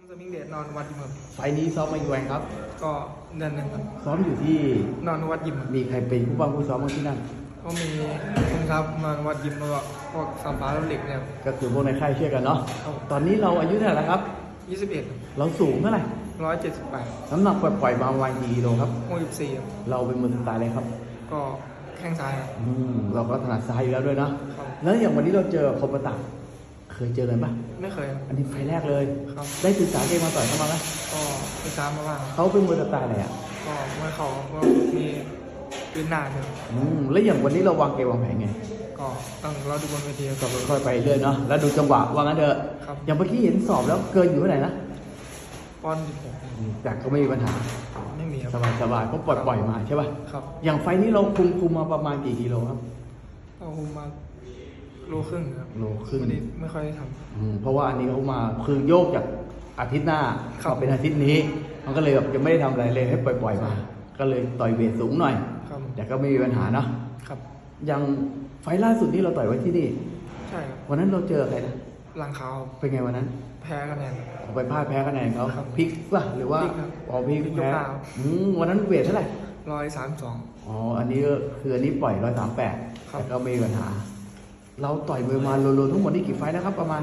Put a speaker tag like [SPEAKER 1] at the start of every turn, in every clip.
[SPEAKER 1] สมิงเดชนอนวัดยิมครับ
[SPEAKER 2] ไฟล์นี้ซ้อมมากี่วันครับ
[SPEAKER 1] ก็เดือนหนึ่งครับ
[SPEAKER 2] ซ้อมอยู่ที่
[SPEAKER 1] นอนวัดยิมครับ
[SPEAKER 2] มีใครเป็นผู้บ้างผู้ซ้อมบ้างที่นั่น
[SPEAKER 1] ก็มีคุณครับนอนวัดยิมแล้วก็พวกสามฟ้าเหล็กเนี่ย
[SPEAKER 2] ก็คือพวกในค่ายช่วยกันเนาะ
[SPEAKER 1] ครับ
[SPEAKER 2] ตอนนี้เราอายุเท่าไหร่แล้วครับ
[SPEAKER 1] 21
[SPEAKER 2] เราสูงเท่าไหร่
[SPEAKER 1] 178
[SPEAKER 2] น้ำหนักปล่อยๆมาวันกี่กิโลครับ
[SPEAKER 1] 64ครับ
[SPEAKER 2] เราเป็นมือสไตล์เลยครับ
[SPEAKER 1] ก็แข้งซ้ายครับ
[SPEAKER 2] เราก็ถนัดซ้ายอยู่แล้วด้วยเนาะ
[SPEAKER 1] ครับ
[SPEAKER 2] แล้วอย่างวันนี้เราเจอคมประตักเคยเจอกันปะ
[SPEAKER 1] ไม่เคยครับ
[SPEAKER 2] อันนี้ไฟล์แรกเลย
[SPEAKER 1] ครับ
[SPEAKER 2] ได้ศึกษาเกมมาต่อยเข้ามาไหม
[SPEAKER 1] ก็ไปตามมาบ้าง
[SPEAKER 2] เขาเป็นมือสไตล์อะไรอ่ะ
[SPEAKER 1] ก็เมื่อเขาก็มีพื้นหน้าเนี่ย
[SPEAKER 2] แล้วอย่างวันนี้เราวางเกมวางแผนไง
[SPEAKER 1] ก็ต้องเราดูบนเวที
[SPEAKER 2] ก็ค่อยๆไปเรื่อยเนาะแล้วดูจังหวะว่างั้นเถอะ
[SPEAKER 1] ครับ
[SPEAKER 2] อย่างเมื่อกี้เห็นสอบแล้วเกินอยู่เท่าไหร่นะ
[SPEAKER 1] ปอนด์
[SPEAKER 2] แต่ก็ไม่มีปัญหา
[SPEAKER 1] ไม่มีครับ
[SPEAKER 2] สบายๆก็ปล่อยมาใช่ป่ะ
[SPEAKER 1] ครับ
[SPEAKER 2] อย่างไฟนี้เราคุมมาประมาณกี่กิโลครับ
[SPEAKER 1] ก็คุมมาโลครึ่งครับ
[SPEAKER 2] โลครึ่ง
[SPEAKER 1] ไม่ค่อยได้ท
[SPEAKER 2] ำเพราะว่าอันนี้เขามาคือโยกจากอาทิตย์หน้า
[SPEAKER 1] มา
[SPEAKER 2] เป็นอาทิตย์นี้มันก็เลยแบบจะไม่ได้ทำอะไรเลยให้ปล่อยมาก็เลยต่อยเวทสูงหน่อยแต่ก็ไม่มีปัญหาเนาะ
[SPEAKER 1] ครับ
[SPEAKER 2] อย่างไฟล่าสุดที่เราต่อยไว้ที่นี่
[SPEAKER 1] ใช่ครับ
[SPEAKER 2] วันนั้นเราเจออะไรนะ
[SPEAKER 1] หลังขาว
[SPEAKER 2] เป็นไงวันนั้น
[SPEAKER 1] แพ้คะแนน
[SPEAKER 2] ไปพลาดแพ้คะแนนเขาพลิกป่ะหรือว่าพลิกแพ้วันนั้นเวทเท่าไหร่
[SPEAKER 1] 132
[SPEAKER 2] อันนี้ก็คืออันนี้ปล่อย138แต่ก็ไม่มีปัญหาเราต่อยมวยมารวมๆทั้งหมดนี่กี่ไฟล์นะครับประมาณ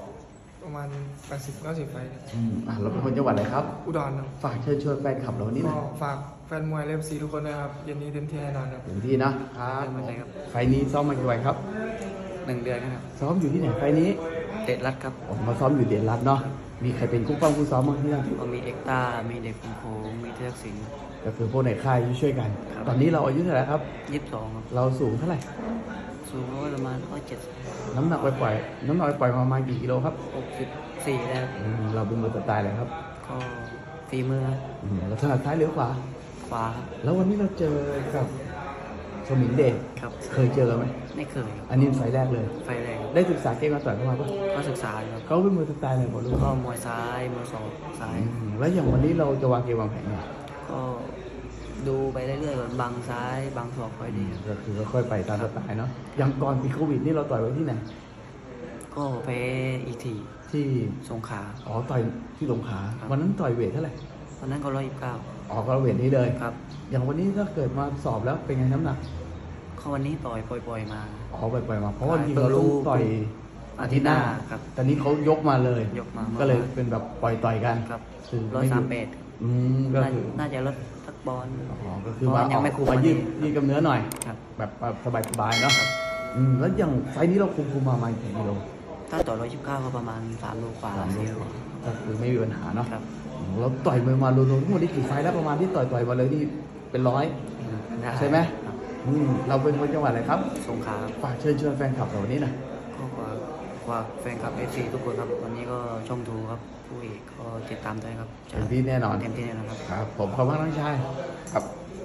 [SPEAKER 1] 80-90ไฟล์
[SPEAKER 2] เราเป็นคนจังหวัดอะไรครับ
[SPEAKER 1] อุดรครับ
[SPEAKER 2] ฝากเชิญชวนแฟนคลับเราวันนี้นะ
[SPEAKER 1] ฝากแฟนมวยเล็บซีทุกคนนะครับเย็นนี้เต็มที่แน่นอนครับ
[SPEAKER 2] เต็มที่นะครับไฟล์นี้ซ้อมมากี่วันครับ
[SPEAKER 1] 1 เดือนครับ
[SPEAKER 2] ซ้อมอยู่ที่ไหนไฟล์นี้
[SPEAKER 1] เดชรัตน์ครับ
[SPEAKER 2] ผมมาซ้อมอยู่เดชรัตน์เนาะมีใครเป็นคู่ป้องคู่ซ้อมบ้างที่นั่น
[SPEAKER 1] ก็มีเอ็กตามีเด็กคุณโคมีเทพสิงห์
[SPEAKER 2] ก็คือพวกในค่ายช่วยกันตอนนี้เราอายุเท่าไหร่ครับ
[SPEAKER 1] 22ครับ
[SPEAKER 2] เราสูงเท่าไหร่
[SPEAKER 1] สูงประมาณ170
[SPEAKER 2] น้ำหนักปล่อยประมาณกี่กิโลครับ
[SPEAKER 1] 64แล้ว
[SPEAKER 2] เราเป็นมือสไตล์อะไรครับ
[SPEAKER 1] ก็ฝีมือ
[SPEAKER 2] เราถนัดซ้ายหรือขวา
[SPEAKER 1] ครับ
[SPEAKER 2] แล้ววันนี้เราเจอกับสมิงเดช
[SPEAKER 1] ครับ
[SPEAKER 2] เคยเจอไหม
[SPEAKER 1] ไม่เคย
[SPEAKER 2] อันนี้ไฟแรกเลย
[SPEAKER 1] ไฟแรก
[SPEAKER 2] ได้ศึกษาเกมมาต่อยเข้ามาปะ
[SPEAKER 1] ก็ศึกษาครับ
[SPEAKER 2] เขาเป็นมือสไตล์อะไรบอกลูก
[SPEAKER 1] ก็มวยซ้ายมวยศอกซ้าย
[SPEAKER 2] แล้วอย่างวันนี้เราจะวางเกมวางแผนไง
[SPEAKER 1] ก็ดูไปเรื่อยๆก่อนบังซ้ายบังศอกค่อยดี
[SPEAKER 2] ก็คือค่อยไปตามสไตล์เนาะอย่างก่อนปีโควิดนี่เราต่อยไว้ที่ไหน
[SPEAKER 1] ก็ไปอีกที
[SPEAKER 2] ที่
[SPEAKER 1] สงขลา
[SPEAKER 2] ต่อยที่สงขลาวันนั้นต่อยเวทเท่าไหร่
[SPEAKER 1] วันนั้นก็129
[SPEAKER 2] ก็เวทนี้เลย
[SPEAKER 1] ครับ
[SPEAKER 2] อย่างวันนี้ถ้าเกิดมาสอบแล้วเป็นไงน้ำหนัก
[SPEAKER 1] เขาวันนี้ต่อยปล่อยมา
[SPEAKER 2] ปล่อยมาเพราะว่าจริงเราต้องต่อยอาทิตย์หน้า
[SPEAKER 1] ครับ
[SPEAKER 2] ตอนนี้เขายกมาเลยก็เลยเป็นแบบปล่อยต่อยกัน
[SPEAKER 1] ครับ
[SPEAKER 2] คือ
[SPEAKER 1] 138
[SPEAKER 2] ก็คือ
[SPEAKER 1] น่าจะลดทักบอล
[SPEAKER 2] ก็คือมายืดกำเนื้อหน่อยแบบสบายๆเนาะแล้วอย่างไฟนี้เราคุมมากี่กิโล
[SPEAKER 1] ถ้าต่อ129ก็ประมาณ3 โลกว่า
[SPEAKER 2] ก็คือไม่มีปัญหาเนาะเราต่อยมารวมๆทั้งหมดนี่กี่ไฟแล้วประมาณที่ต่อยมาเลยนี่เป็น100ใช่ไหมเราเป็นคนจังหวัดอะไรครับ
[SPEAKER 1] สงขลา
[SPEAKER 2] ฝากเชิญชวนแฟนคลับเราวันนี้นะ
[SPEAKER 1] ก็ฝากแฟนคลับFCทุกคนครับวันนี้ก็ช่องทูครับผู้เอกก็ติดตามด้วยครับ
[SPEAKER 2] เต็มที่แน่นอน
[SPEAKER 1] เต็มที่แน่นอน
[SPEAKER 2] ครับผมขอบคุณน้องชายครับ